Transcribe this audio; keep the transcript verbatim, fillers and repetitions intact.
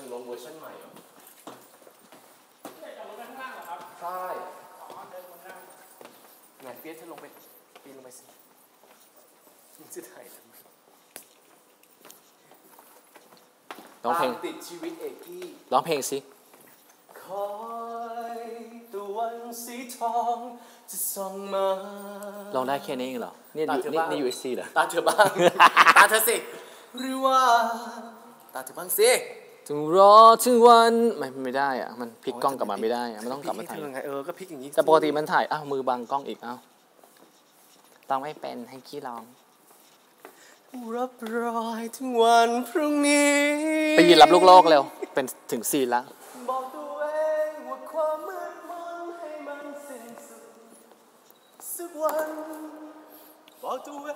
ถึงลงเวอร์ชันใหม่เหรอเนี่ยจะลงไปข้างล่างเหรอครับใช่อ๋อเดินบนล่างแหนเปียกเธอลงไปปีนลงไปสิมึงจะถ่ายทำไมร้องเพลงติดชีวิตเอกกี้ร้องเพลงสิคอยตะวันสีทองจะส่องมาร้องได้แค่นี้เองเหรอนี่นี่นี่ ยู เอส ซี เหรอตาเธอบ้างตาเธอสิหรือว่าตาเธอบ้างสิถึงรอถึงวันไม่ไม่ได้อะมันพลิกกล้องกลับมาไม่ได้อะมันต้องกลับมาถ่ายเออก็พลิกอย่างนี้แต่ปกติมันถ่ายอ้าวมือบังกล้องอีกอ้าวต้องไม่เป็นให้ขี้ร้องรับรอยถึงวันพรุ่งนี้ไปยืนรับลูกโลกเร็วเป็นถึงซีนแล้วบอกตัวเองว่าความมืดมนให้มันสิ้นสุดสักวันบอกตัวเอ